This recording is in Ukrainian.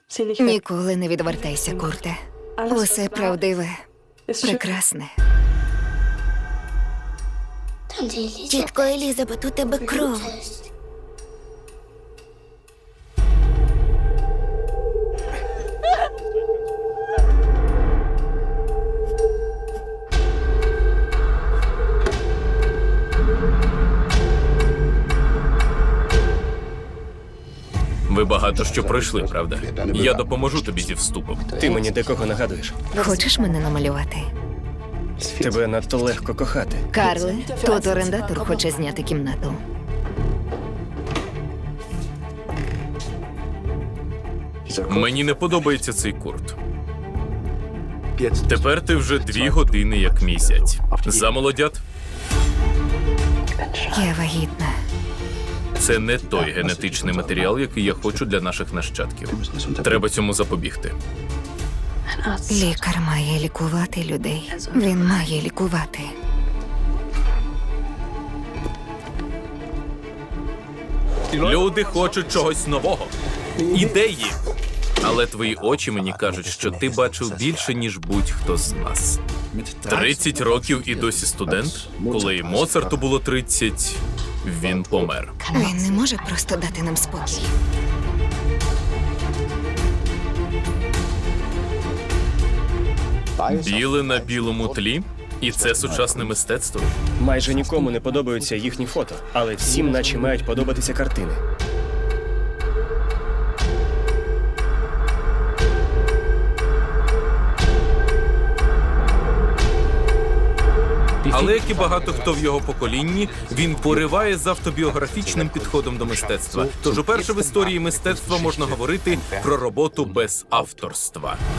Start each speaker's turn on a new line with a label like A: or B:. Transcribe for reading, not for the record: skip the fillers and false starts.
A: Ніколи не відвертайся, Курте. Усе правдиве, прекрасне.
B: Тітко Елізабет, у тебе кров.
C: Ви багато що пройшли, правда? Я допоможу тобі зі вступом.
D: Ти мені декого нагадуєш.
A: Хочеш мене намалювати?
D: Тебе надто легко кохати.
A: Карле, тут орендатор хоче зняти кімнату.
C: Мені не подобається цей Курт. Тепер ти вже 2 години як мій зять. Замолодят?
A: Я вагітна.
C: Це не той генетичний матеріал, який я хочу для наших нащадків. Треба цьому запобігти.
A: Лікар має лікувати людей. Він має лікувати.
C: Люди хочуть чогось нового. Ідеї. Але твої очі мені кажуть, що ти бачив більше, ніж будь-хто з нас. 30 років і досі студент? Коли і Моцарту було 30, він помер.
A: Він не може просто дати нам спокій.
C: Біле на білому тлі? І це сучасне мистецтво?
D: Майже нікому не подобаються їхні фото, але всім наче мають подобатися картини.
C: Але, як і багато хто в його поколінні, він пориває з автобіографічним підходом до мистецтва. Тож уперше в історії мистецтва можна говорити про роботу без авторства.